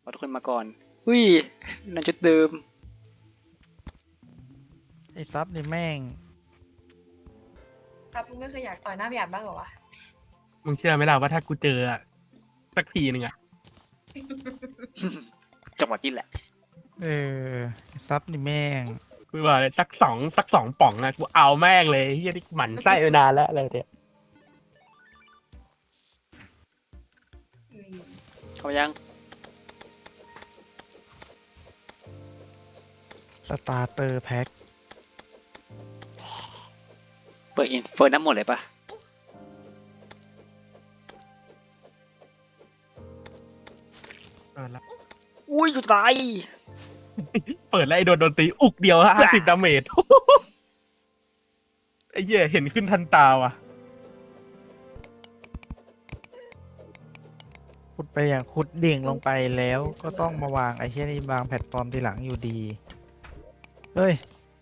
เอาทุกคนมาก่อนอุ้ยนั่นจุดเดิมไอ้ซับนี่แม่งครับมึงไม่เคยอยากต่อยหน้าพี่อัดบ้างเหรอวะมึงเชื่อไหมล่ะว่าถ้ากูเจออะสักทีหนึ่งอะจังหวะนี้แหละไอ้ซับนี่แม่งกูบอกเลยสักสองป่องอะกูเอาแม่งเลยเฮียที่หมั่นไส้มานานแล้วอะไรเนี่ยอืมเข้ามายังสตาร์เตอร์แพ็คเปิดอินเฟิร์น้ำหมดเลยปะแล้วอุ้ยจุดตายเปิดแล้วไอ้โดนตีอุกเดียว50 ดาเมจ ไอ้เหี้ยเห็นขึ้นทันตาว่ะขุดไปอย่างขุดดิ่งลงไปแล้วก็ต้องมาวางไอ้เช่นนี้วางแพลตฟอร์มทีหลังอยู่ดี เฮ้ย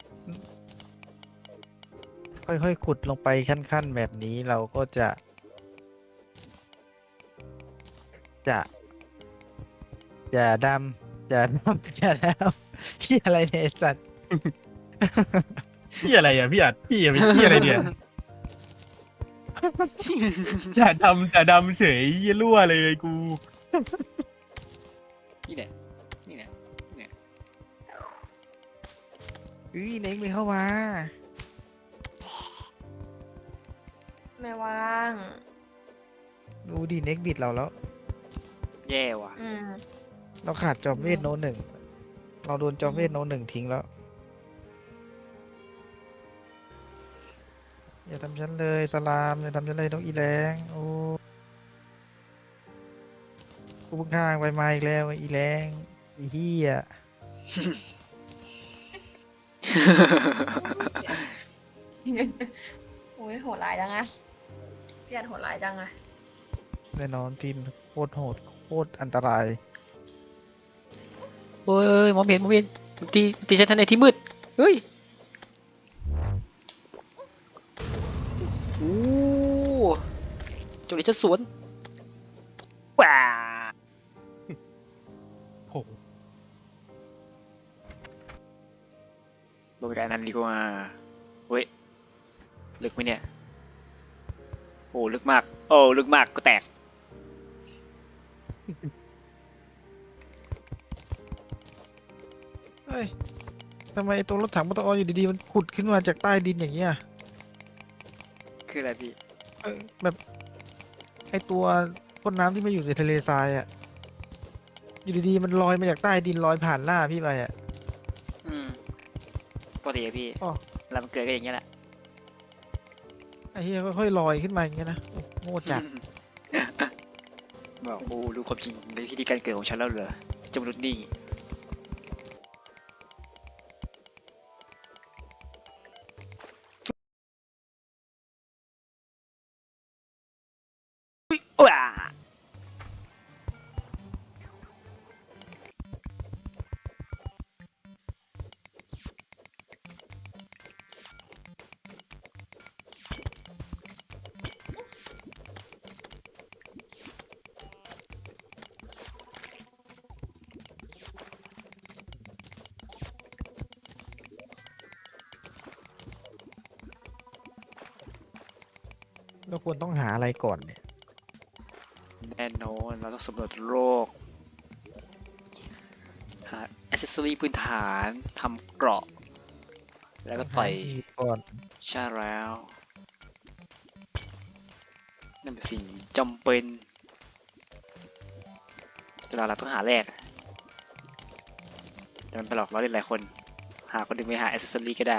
ค่อยๆขุดลงไปขั้นๆแบบนี้เราก็จะอย่าดำอย่าดำอย่าดำที่อะไรเนี่ยไอ้สัตว์พี่อะไรอ่ะพี่อัดพี่เป็นพี่อะไรเนี่ยจะดำเฉยเหี้ยรั่วเลยกูนี่เนี่ยนี่เนี่ยเฮ้ยเน็กไม่เข้ามาไม่ว่างดูดิเน็กบิดเราแล้วแย่ว่ะอืมเราขาดจอมเวทโนหนึ่ง เราโดนจอมเวทโนหนึ่งทิ้งแล้ว อย่าทำฉันเลยสลามอย่าทำฉันเลยนกอีแรงโอ้กูเพิ่งข้างไปมาอีกแล้วไอ้อีแรงไอ้เหี้ยโอ้ยโหดร้ายจังอะพี่อัดโหดร้ายจังอะแน่นอนพิมพ์โคตรโหดโคตรอันตรายโอ้ยมองไม่เห็นมันตีฉันทันในที่มืดเฮ้ยโอ้จงเลยจะสวนว้าโหลงไปกันนั้นดีกว่าเว้ยลึกไหมเนี่ยโอ้ลึกมากโอ้ลึกมากก็แตกเฮ้ยทำไมตัวรถถังปตออยู่ดีๆมันขุดขึ้นมาจากใต้ดินอย่างเงี้ยคืออะไรพี่แบบไอตัวพ่นน้ำที่มาอยู่ในทะเลทรายอ่ะ อยู่ดีๆมันลอยมาจากใต้ดินลอยผ่านหน้าพี่ไปอ่ะอืมปกติอะพี่อ๋อแล้วมันเกิดก็อย่างเงี้ยแหละไอ้เหี้ยค่อยๆลอยขึ้นมาอย่างเงี้ยนะโอ้โง่จัดบอกโอ้รู้ความจริงในที่ที่การเกิดของฉันแล้วเหรอเจ้ามนุษย์นี่ว้าเราควรต้องหาอะไรก่อนเนี่ยแน่นอนเราต้องสำรวจโลกหาอ c เซสซอรี่พื้นฐานทำเกราะ แล้วก็ต่อยหาอีกก่อนใช่แล้วนั่นเป็นสิ่งจำเป็นแต่เราต้องหาแรกแต่มันไปหลอกเราเล่นหลายคนหาคนหนึ่งไปหาอ c เซสซอรี่ก็ได้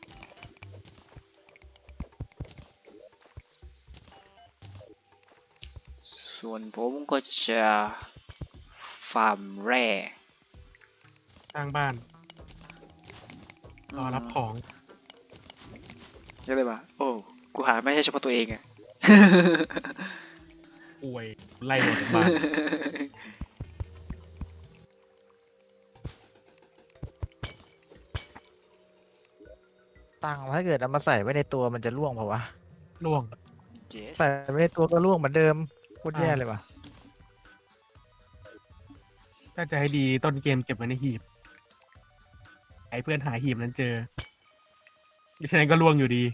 ส่วนผมก็จะฟาร์มแร่สร้างบ้านรอรับของใช่ไหมวะโอ้กูหาไม่ใช่เฉพาะตัวเองอะป่วยไล่ออกจากบ้านตังค์ถ้าเกิดเอามาใส่ไว้ในตัวมันจะล่วงเปล่าวะล่วงเจสใส่ไว้ในตัวก็ล่วงเหมือนเดิมโคตรแย่เลยว่ะถ้าจะให้ดีต้นเกมเก็บไว้ในหีบไอ้เพื่อนหาหีบนั้นเจอฉะนั้นก็ล่วงอยู่ดี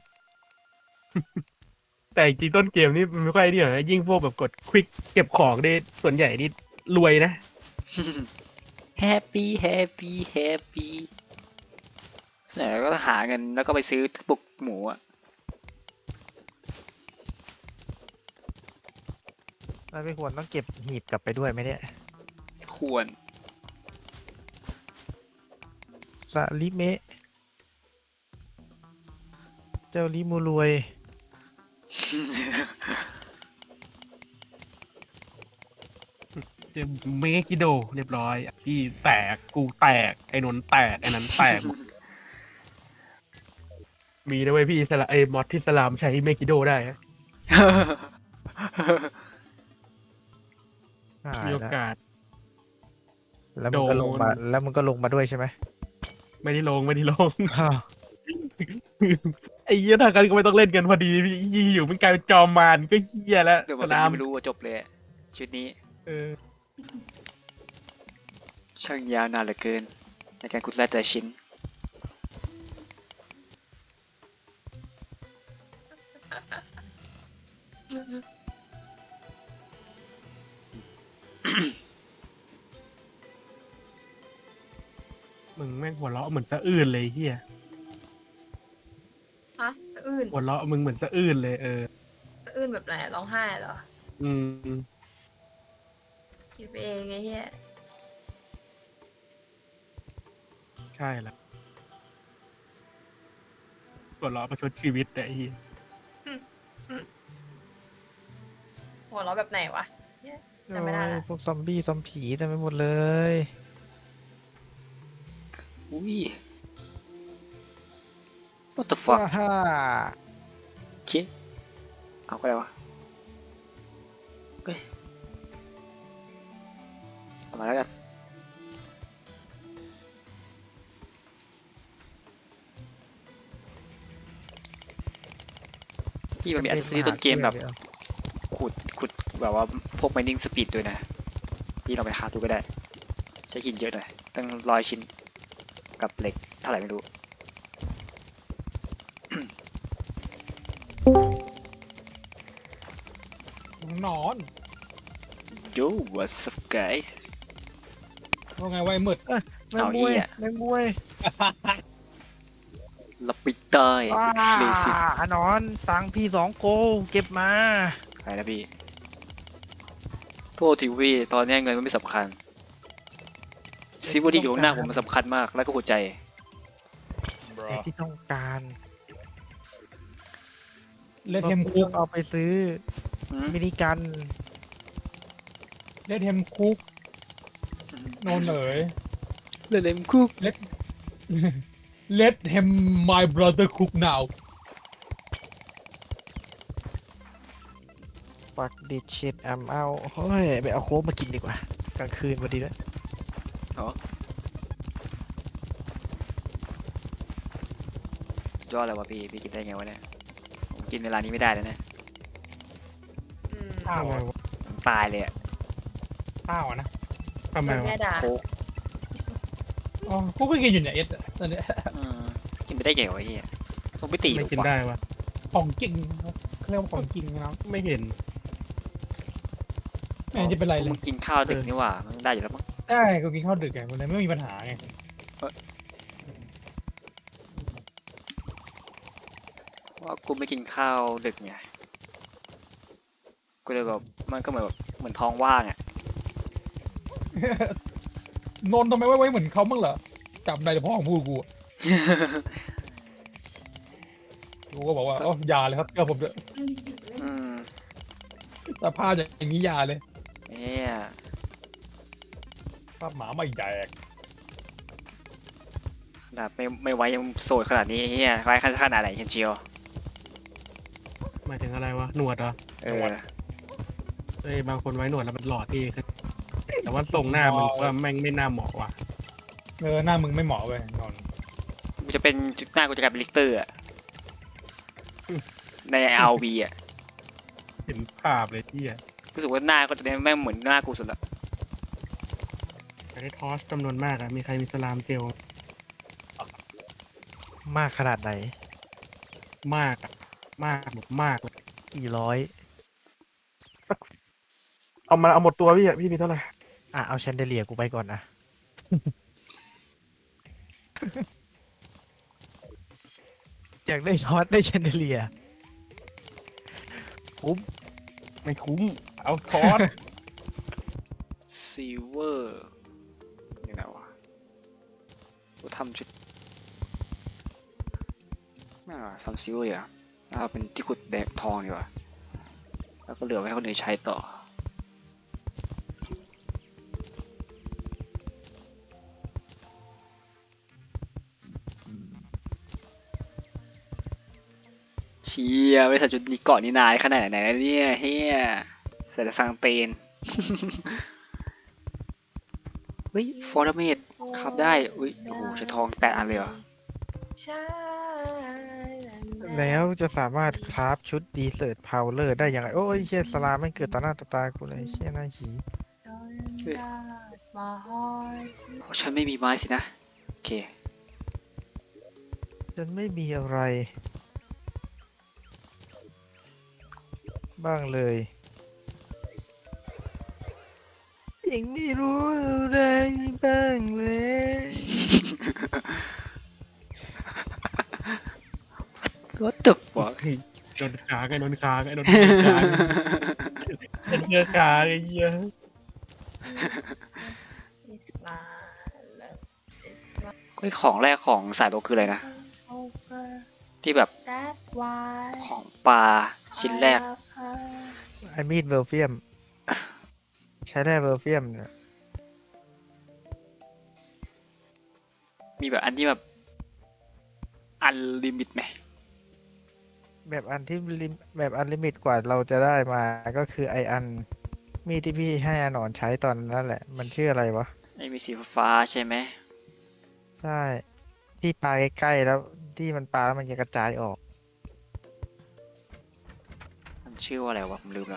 แต่จริงๆต้นเกมนี่มันไม่ค่อยนี่หรอกนะยิ่งพวกแบบกดควิกเก็บของได้ส่วนใหญ่นี่รวยนะแฮปปี้แฮปปี้แฮปปี้ส่วนใหญ่ก็หาเงินแล้วก็ไปซื้อปุกหมูอ่ะแล้วไม่ควรต้องเก็บหีบกลับไปด้วยไหมเนี่ยควรสาลิเมะเจ้าลิมูรวยเจอเมกิโดเรียบร้อยที่แตกกูแตกไอ้นนท์แตกไอ้นั้นแตกหมด มีนะเว้ยพี่สลามอดที่สลามใช้เมกิโดได้นะหายมีโอแล้วกาสแล้วมึงก็ลงมาโดนแล้วมึงก็ลงมาด้วยใช่ไหมไม่ได้ลงไม่ได้ลงอ้าวไอ้เหี้ยทางกันก็ไม่ต้องเล่นกันพอดีพี่อยู่มันกลายเป็นจอมมารก็เหี้ยแล้วเดี๋ยวสมันลามไม่รู้ว่าจบเลยอะชุดนี้เออช่างยาวนานเหลือเกิน ในการขุดแร่แต่ละชิ้นมึงแม่งหัวเราะเหมือนสะอื้นเลยเหี้ยฮะสะอื้นหัวเราะมึงเหมือนสะอื้นเลยเออสะอื้นแบบไหนร้องไห้เหรออืมคิดไปเองไงเฮียใช่แล้วหัวเราะประชดชีวิตแต่ไอ้เหี้ยหัวเราะแบบไหนวะเหี้ย จำไม่ได้ละโอ้ยพวกซอมบี้ซอมผีเต็มไปหมดเลยอุ้ย what the fuck ว้าฮ่าโอเคเอาก็ได้วะเฮ้ยเอามาแล้วกัน พี่มันมีอัซเซอรี่ต้นเกมแบบขุดแบบว่าพวก mining speed ด้วยนะ พี่ลองไปหาดูก็ได้ ใช้หินเยอะหน่อย ตั้ง100 ชิ้น กับเหล็กเท่าไหร่ไม่รู้นอน Yo what's up guys ว่าไงไว้มืดแมงมวยเอาอีกอะแมงมวยลับไปใต้ว้าเลสิอนอนตังค์พี่2 โกเก็บมาใครนะพี่ โทษทีพี่ตอนนี้เงินมันไม่สำคัญซิวที่อยู่ข้างหน้าผมมันสำคัญมาก แล้วก็หัวใจแต่ที่ต้องการเลดเทมคุกเอาไปซื้อหืมมินิกันเลดเทมคุกโนนเอ๋ยเล่นเล่มคุก Let him my brother cook now ปักดิชิดเอาเฮ้ยไปเอาโค้กมากินดีกว่า กลางคืนพอดีด้วยยอดเลยวะพี่กินได้ไงวะเนี่ยผมกินเวลานี้ไม่ได้เลยนะอืมข้าวอะผมตายเลยอะข้าวอะนะทำไมโดนวะแม่ด่าโค้กอ๋อกูก็กินอยู่เนี่ยเอสอะตอนเนี้ยกินไปได้ไงวะไอ้เหี้ยต้องไปตีหไม่รือกินวะได้วะของกินเขาเรียกว่าของกินนะครับไม่เห็นไม่เห็นจะเป็นไรเลมึยงกินข้าวดึกนี่หว่ามันได้อยู่แล้วมั้งได้กูกินข้าวดึกไงวันนี้ไม่มีปัญหาไงว่ากูไม่กินข้าวดึกไงกูเลยแบบมันก็เหมือนท้องว่างอ่ะนนท์ทำไมไว้เหมือนเขาบ้างเหรอจำได้แต่พ่อของพูดกูอะกูก็บอกว่าอ๋ออยาเลยครับเชื่อผมเถอะอืมแต่ผ้าพอย่างนี้อยาเลยเนี่ยภาพหมาไม่แดกขนาดไม่ไว้ยังโสดขนาดนี้เฮียไว้ขนาดไหนกันเชียวหมายถึงอะไรวะหนวดเหรอเออเอ้ยบางคนไว้หนวดแล้วมันหล่อเท่ขึ้นแต่ว่าทรงหน้ามันว่าแม่งไม่น่าเหมาะว่ะหน้ามึงไม่เหมาะเว้ยนนท์กูจะเป็นหน้ากูจะกลายเป็นลิกเตอร์อะใน RV อ่ะเห็นภาพเลยที่อ่ะรู้สึกว่าหน้าก็จะแม่งเหมือนหน้ากูสุดละเอได้ทอสจำนวนมากอะมีใครมีสลามเจลมากขนาดไหนมากอะมากแบบมากเลยกี่ร้อยเอาหมดตัวพี่อะพี่มีเท่าไหร่เอาแชนเดเลียกูไปก่อนนะ อยากได้ช็อตได้แชนเดเลียคุ้มไม่คุ้ม เอาทอสซิลเวอร์นี่นะวะกูทำชุดไม่เอาทำซิลเวอร์อ่ะเอาเป็นที่ขุดแดงทองดีกว่าแล้วก็เหลือไว้ให้คนอื่นใช้ต่อเชียบริษัทจุดนี้เกาะนี่นายขนาดไหนแล้วเนี่ยเฮียเสร็จแล้วสังเตน เฮ้ยฟอร์เมดครับได้อุ้ยโอ้โหใช้ทอง8 อันเลยเหรอใช่แล้วจะสามารถคราฟชุดดีเซิร์ตพาวเลอร์ได้ยังไง โอ้ยเชี่ยสลามไม่เกิดต่อหน้าต่อตากูเลยเชี่ยหน้าหีฉันไม่มีไม้สินะ โอเคฉันไม่มีอะไร บ้างเลยยังไม่รู้อะไรบ้างเลย What the fuck เฮ้ยโดนขาไงโดนขาไงโดนขาไงโดนขาไงเหี้ย It's my love It's my เฮ้ยของแรกของสายโลคืออะไรนะ October ที่แบบ That's why ของปลาชิ้นแรก I love her ไอมีดเวลเฟียม ใช้ได้เวลเฟียมเนี่ยมีแบบอันที่แบบอันลิมิตไหมแบบอันที่แบบอันลิมิตกว่าเราจะได้มาก็คือไออัน มีดที่พี่ให้อาหนอนใช้ตอนนั้นแหละ มันชื่ออะไรวะไอ้มีสีฟ้าใช่ไหมใช่ ที่ปลาใกล้ๆแล้วที่มันปลาแล้วมันจะกระจายออกมันชื่อว่าอะไรวะผมลืมละ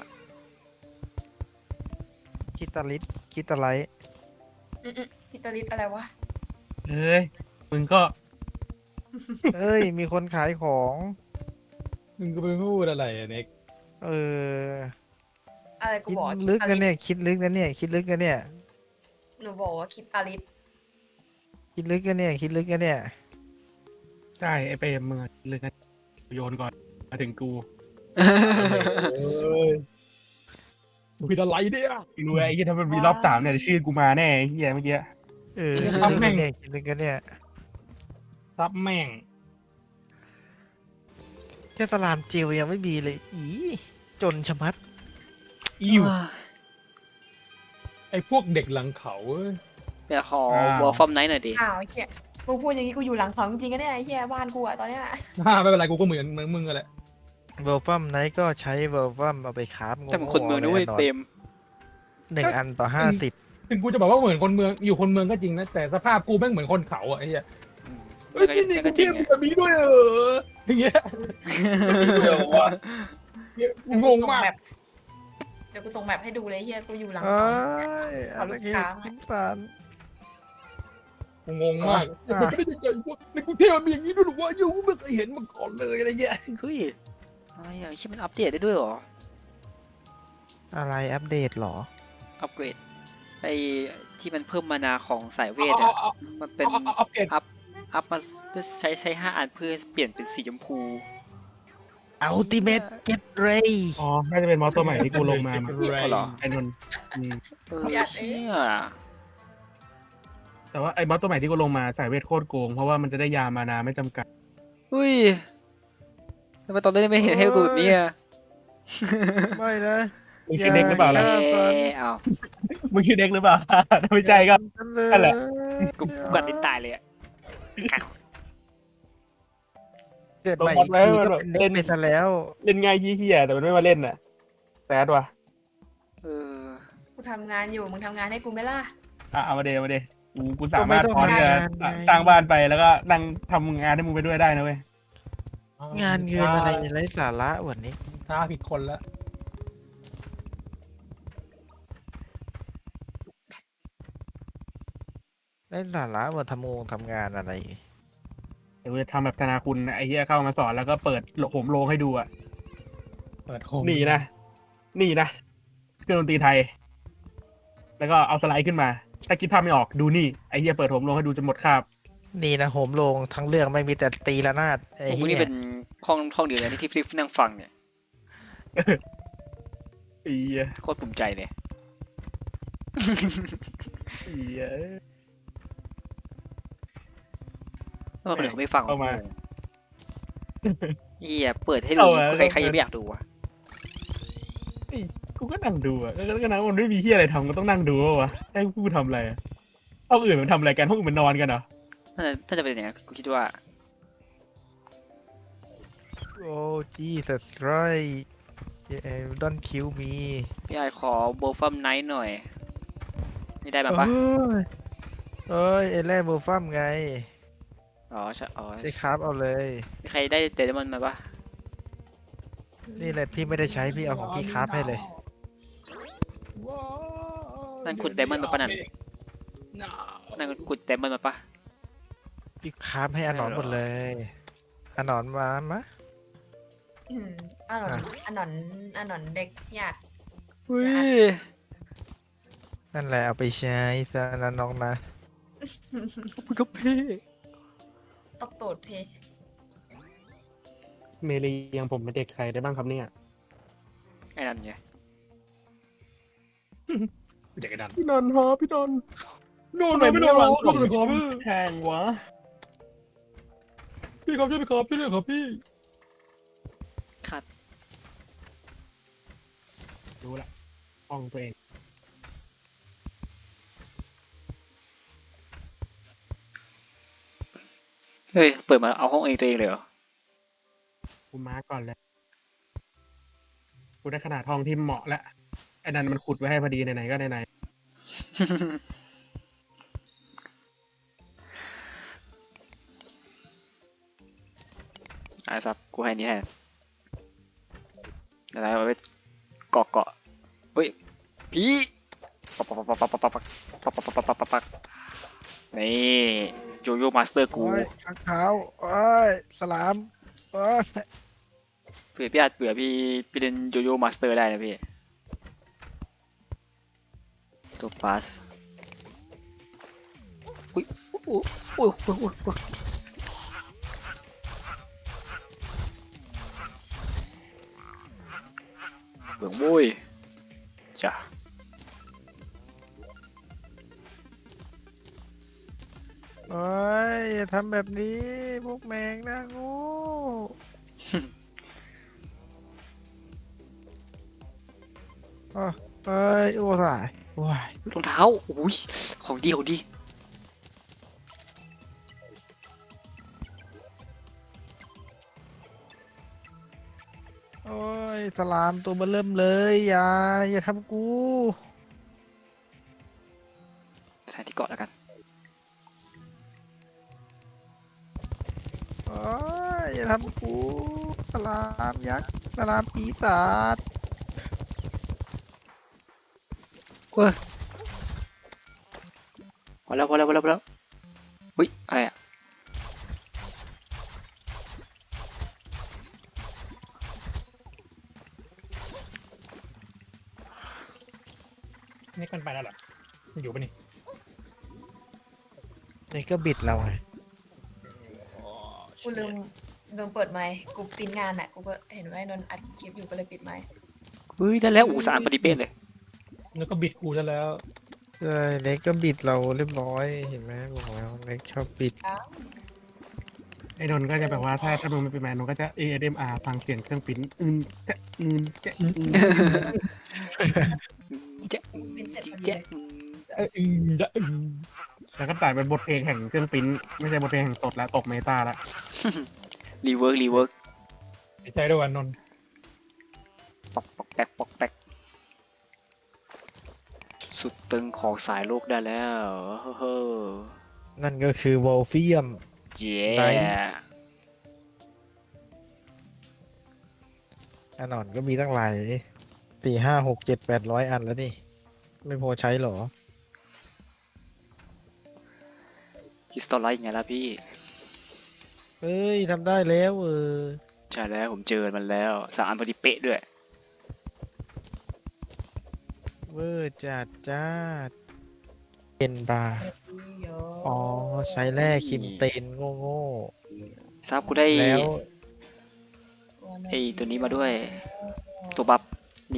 คิตาลิสคิตาไลท์ทิตาลิสอะไรวะเฮ้ยมึงก็เอ้ย มีคนขายของมึงก็ไปพูดอะไรอะเน็กเอออะไรกูคิดบอกว่าลึกคินะตาเนี่ย คิดลึกนะเนี่ย คิดลึกนะเนี่ยหนูบอกว่าคิตาลิสคิดลึกนะเนี่ย คิดลึกนะเนี่ยใช่ไอเปรมมึงอะเลยนะโยนก่อนมาถึงกูเอ้ยมึงผิดอะไรเนี่ยรู้ไอ้ที่ถ้ามันมีรอบ3เนี่ยชื่อกูมาแน่ไอ้เฮียเมื่อกี้เออ คิดครับลึกแม่นะงเนี่ย คิดลึกนะเนี่ยซับแม่งแค่สลามเจลยังไม่มีเลย อีจนชะมัดอิวไอ้พวกเด็กหลังเขาเอ้ยเดี๋ยวขอวอลฟอร์มไนท์หน่อยดิอ้าวไอ้เหี้ยมึงพูดอย่างนี้กูอยู่หลังเขาจริงๆกันเนี่ยไอ้เหี้ยบ้านกูอะตอนเนี้ยไม่เป็นไรกูก็เหมือนมึงกันแหละเวลฟัมไนท์ก็ใช้เวลฟัมเอาไปคราฟแต่มันคนเมืองนู้นเต็ม 1 อันต่อ 50 ถึงกูจะบอกว่าเหมือนคนเมืองอยู่คนเมืองก็จริงนะแต่สภาพกูแม่งเหมือนคนเขาอ่ะไอ้เหี้ยเฮ้ยไม่นี่ก็กูจริเทียงบไงแบบนี้ด้วยเหรออย่างเงี้ยเดี๋ยววะงงมากเดี๋ยวกูส่งแมปให้ดูเลยเฮียกูอยู่หลังเอ้เขายอะไรเงี้ยเอาลูกค้ามาสงสารกูงงมากมันไม่ได้ยังไงวะในกรุงเทพมันมีอย่างนี้ด้วยหรอวะยูไม่เคยเห็นมาก่อนเลยอะไรเงี้ยเฮ้ยอะไรอ่ะชิมันอัปเดตได้ด้วยเหรออะไรอัปเดตเหรออัปเกรดไอ้ที่มันเพิ่มมานาของสายเวทเอาอ่ะมันเป็นอัปเกรดอัพมาเพื่อใช้5 อันเพื่อเปลี่ยนเป็นสีชมพู Ultimate Get Ray อ๋อน่าจะเป็นมอสตัวใหม่ที่กูลงมามั้งเอาเหรอไอ้นนท์อืมเชี่ยแต่ว่าไอ้มอสตัวใหม่ที่กูลงมาสายเวทโคตรโกงเพราะว่ามันจะได้ยามานาไม่จำกัดอุ้ยทำไมตอนนี้ไม่เห็นให้กูแบบนี้อ่ะไม่นะมึงชื่อเด็กหรือเปล่าล่ะเอามึงชื่อเด็กหรือเปล่า ถ้าไม่ใช่ก็ นั่นแหละกูกัดลิ้นตายเลยอ่ะเกิดใหม่อีกทีก็เป็นเด็กไปซะแล้วเล่นง่ายเฮี้ยๆแต่มันไม่มาเล่นน่ะแซดว่ะเออกูทำงานอยู่มึงทำงานให้กูไหมล่ะเอามาเดมาเดกูสามารถก็พร้อมไม่จะต้องทำงานไงสร้างบ้านไปแล้วก็นั่งทำงานให้มึงไปด้วยได้นะเว้ยงานเงินอะไรไร้สาระวันนี้ท้าผิดคนแล้วไร้สาระว่าทำงานอะไรเดี๋ยวจะทำแบบธนาคุณไอ้เหี้ยเข้ามาสอนแล้วก็เปิดโหมโรงให้ดูอ่ะเปิดโฮมนี่นะนี่นะเครื่องดนตรีไทย แล้วก็เอาสไลด์ขึ้นมา ถ้าคิดภาพไม่ออกดูนี่ไอ้เหี้ยเปิดโหมโรงให้ดูจนหมดคาบนี่นะโหมโรงทั้งเรื่องไม่มีแต่ตีระนาดไอ้พวกมึงเหี้นี่ยเป็นห้องเดียวเลยที่นั่งฟังเนี่ยไอ้เหี้ยโคตรภูมิใจเลยไอ้เหี้ยทำไมคนอื่นเขาไม่ฟังวะเอามาเฮียเปิดให้ดูเอามาใครยังไม่อยากดูวะกูก็นั่งดูอ่ะก็นั่งมันไม่มีเหี้ยอะไรทำก็ต้องนั่งดูวะให้กูทำอะไรอะห้องอื่นมันทำอะไรกันห้องอื่นมันนอนกันเหรอถ้าจะเป็นอย่างนั้นกูคิดว่าโอ้ Jesus Christ don't kill me พี่ไอขอโบฟัมไนท์หน่อย ไม่ได้มาปะเอ้ยเอ้ยไอ้แร่โบฟัมไงอ๋อใช่อ๋อใช้คราฟเอาเลยมีใครได้เดมอนมาปะนี่แหละพี่ไม่ได้ใช้พี่เอาของพี่คราฟให้เลยว้าวนั่นขุดไดมอนด์มาปะนั่น นั่นขุดเดมอนมาปะพี่คราฟให้อาหนอนหมดเลยอาหนอนมามะอืมอันนนอันนนอันนนเด็กอยากอุ้ยนั่นแหละเอาไปใช้ซะนะน้องนะมันก็พี่ตบตูดทีเมลียังผมเป็นเด็กใครได้บ้างครับเนี่ยไอ้นั่นไงเด็กกระดันพี่นนท์ฮะพี่นนท์โน่นไม่โดนเราครับพี่ครับแทงวะพี่ครับช่วยพี่ครับพี่เลยครับพี่ขัดรู้ละห้องตัวเองเฮ้ย เปิดมาเอาห้องเองตัวเองเลยเหรอกูมาร์กก่อนเลยกูได้ขนาดห้องที่เหมาะแล้วไอ้นั่นมันขุดไว้ให้พอดีไหนๆก็ไหนอ่ะซับกูให้นี่ให้อะไรเอาไว้เกาะเฮ้ยพี่ปักปักปักปักปักปักปักปักปักปักปักปักปักนี่โยโย่มาสเตอร์กูโอ้ยข้างเท้าโอ้ยสลามโอ้ยเผื่อพี่อาจเบื่อพี่เล่นโยโย่มาสเตอร์ได้นะพี่ตัวพาสอุ้ยอุ้ยอุ้ยอุ้ยอุ้ยเบื่อมุ้ยจ้ะโอ้ยอย่าทำแบบนี้พวกแมงนะโง่โอ้เอ้ยโอ้ยโอ้ยรองเท้าอุ้ยของดีของดีโอ้ยสลามตัวเบอเริ่มเลยอย่าทำกูใส่ที่เกาะแล้วกันโอ้ยอย่าทำกูสลามยักษ์สลามปีศาจเว้ยพอแล้วอุ้ยอะไรอ่ะนี่กันไปแล้วเหรอมันอยู่ปะนี่นี่ก็บิดเราไงกูลืมเปิดไมค์กูปิ้นงานอ่ะกูก็เห็นว่าไอ้นนท์อัดคลิปอยู่ก็เลยปิดไมค์เฮ้ยได้แล้วอูสะอาดพอดีเป๊ะเลยแล้วก็บิดกูซะแล้วเอ้ยเล็กก็บิดเราเรียบร้อยเห็นไหมบอกแล้วเล็กชอบบิดอ้าวๆไอ้นนท์ก็จะแบบว่าถ้ามึงไม่เป็นแมนนนท์ก็จะ ASMR ฟังเสียงเครื่องปริ้นจะจะจะเป็นเสร็จพอดีจะแล้วก็ตัดเป็นบทเพลงแห่งเครื่องปริ้นไม่ใช่บทเพลงแห่งสดแล้วตกเมตาละรีเวิร์กดีใจด้วยวันนนท์ปอกแป๊กปอกแป๊กสุดตึงของสายโลกได้แล้วเฮ้อนั่นก็คือวอลเฟียมเย้ไหน อันนอนก็มีตั้งหลาย4 5 6 7 800 อันแล้วนี่ ไม่พอใช้เหรอคริสตัลไลท์ไงล่ะพี่เฮ้ยทำได้แล้วใช่แล้วผมเจอมันแล้ว3 อันพอดีเป๊ะด้วยเวอร์จัดจ้าเป็นบาร์อ๋อใช้แร่คิมเตนโง่โง่ทราบกูได้ๆแล้วไอ้ตัวนี้มาด้วย ตัวบัฟนี่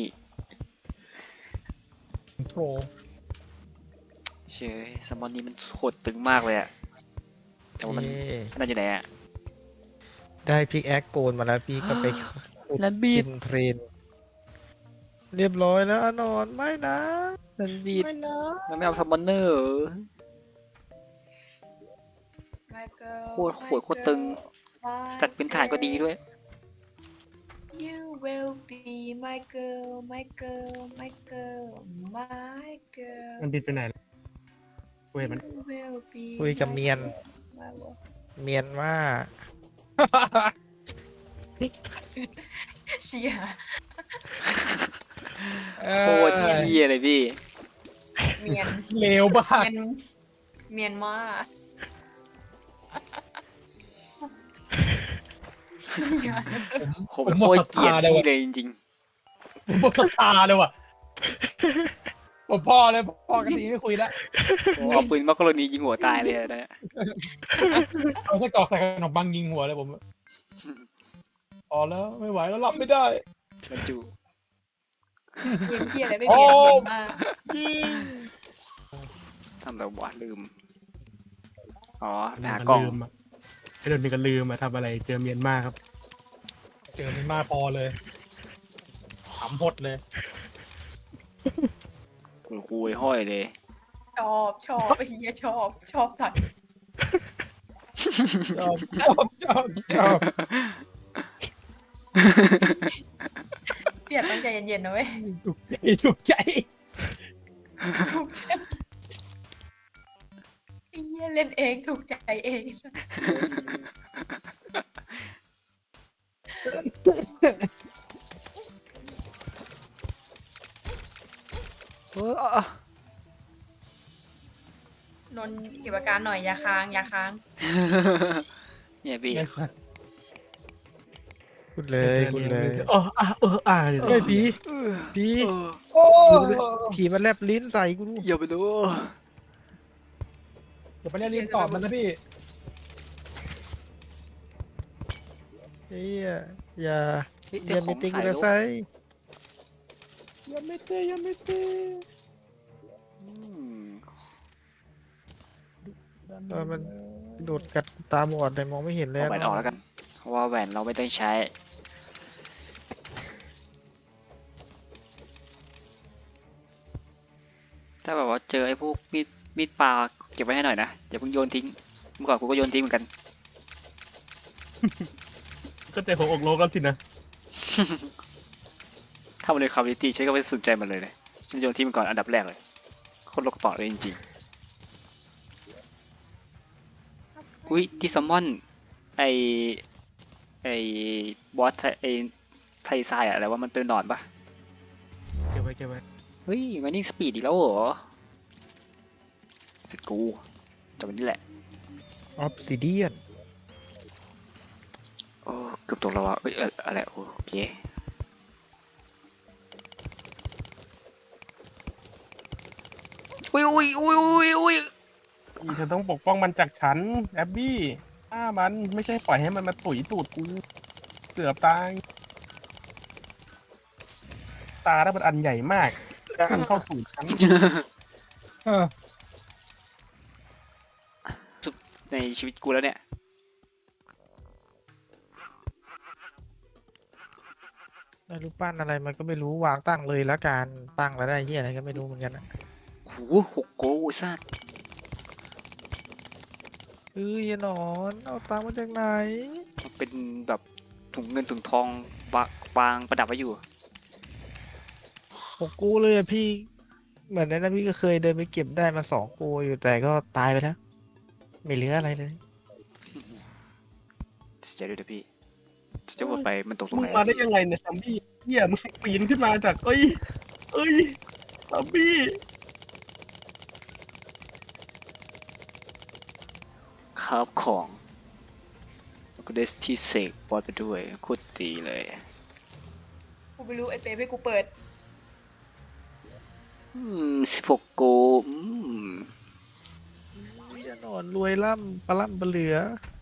โทรเชยซัมมอนนี้มันโคตรตึงมากเลยอะแต่ว่ามันเย้นั่นอยู่ไหนอะได้พิกแอคโกนมาแล้วพี่ก็ไปขุดแล้วบีดคิมเทรน เรียบร้อยแล้วอนอนไม่นะมันบีดไม่นะมันไม่เอาซัมมอนเนอร์เหรอ โคตรโหดโคตรตึง สแตทพื้นฐานก็ดีด้วย You will be my girl my girl my girl my girl มันบินไปไหนแล้วกูเห็นมัน You will be คุยกับเมียน my girl เมียนว่าเชียร์โคตรเยี่ยเลยพี่เมียนเลวบ้ากเมียนมาเชียร์ผมโคตรเกลียดพี่เลยจริงผมหมดศรัทธาเลยว่ะผมพอเลยพอกันทีไม่คุยแล้วๆผมเอาปืนมักกะโรนียิงหัวตายเลยนะเอาแค่กรอกใส่ขนมปังยิงหัวเลยผมพอแล้วไม่ไหวแล้วหลับไม่ได้บรรจุเมียนเชียร์อะไรไม่เมียนเมียนมาทำแบบว่าลืม อ๋อไปหามันกล้องลืมอ่ะไอ้โดนมีกันลืมอ่ะทำอะไรเจอเมียนมาครับเจอมันมาพอเลยขำหดเลยคุณครูไอ้ห้อยเลยชอบไอ้เหี้ยชอบตัดชอบเปลี่ยนตั้งใจเย็นๆนะเว้ยถูกใจถูกใจไอ้เหี้ยเล่นเองถูกใจเอง นนท์เก็บอาการหน่อยอย่าค้างเนี่ยพี่พูดเลยพูดเลยเออเดี๋ยวเฮ้ยผีผีโอ้ผีมันแลบลิ้นใส่กูดูอย่าไปดูเดี๋ยวไปเรียนตอบมันนะพี่เฮ้ยอย่าเฮ้ยอเดี๋ยย่าวขมีองติงสายกูลุนะกไซยังไม่เตะอืมมันโดดกัดตาบอดเลยมองไม่เห็นเลยเอาแหวนออกแล้วกัน เพราะว่าแหวนเราไม่ต้องใช้ ถ้าแบบว่าเจอไอ้พวกมีดปลาเก็บไว้ให้หน่อยนะอย่าเพิ่งโยนทิ้ง เมื่อก่อนกูก็โยนทิ้งเหมือนกันก็ใจของอกโลกแล้วสินะถ้ามันในคอมมูนิตี้ฉันก็ไม่สนใจมันเลยฉันโยนทิ้งมันก่อนอันดับแรกเลยโคตรโลกกระเป๋าเลยจริงๆอุ้ยที่ซัมมอนไออบอสไอไทซายอะอะไรว่ามันเป็นหนอนปะเก็บไว้เฮ้ยมันนิ่งสปีดอีกแล้วเหรอสกูจบวันนี้แหละออฟซิเดียนโอ้เกือบตกแล้ววะเอ้ยอะไรโอเคอุ้ยอีเธอต้องปกป้องมันจากฉันแอบบี้ฆ่ามันไม่ใช่ปล่อยให้มันมาตุ๋ยตูดกูเกือบตายตาแล้วมันอันใหญ่มากอันเข้าสู่ฉันในชีวิตกูแล้วเนี่ยได้รูปปั้นอะไรมันก็ไม่รู้วางตั้งเลยละกันตั้งแล้วได้เฮียอะไรก็ไม่รู้เหมือนกันนะโห6 โกซ่าเอ้ยหนอนเอาตังค์มาจากไหนมันเป็นแบบถุงเงินถุงทองวางประดับไว้อยู่ 6 กูเลยอะพี่ เหมือนนั้นนะพี่ก็เคยเดินไปเก็บได้มา2 กูอยู่แต่ก็ตายไปแล้ว ไม่เหลืออะไรเลยเสียใจด้วยนะพี่จะวนไปมันตกตรงมึไหงนมาได้ยังไงเนี่ยซัมบี้เหี้ยมึงปีนขึ้นมาจากเอ้ยซัมบี้คราฟของแล้วก็ได้ที่เสกบอสไปด้วยโคตรดีเลยกูไม่รู้ไอ้เป๊ให้กูเปิด 16 โกลอย่านอนรวยล่ำปลาล่ำปลาเหลือ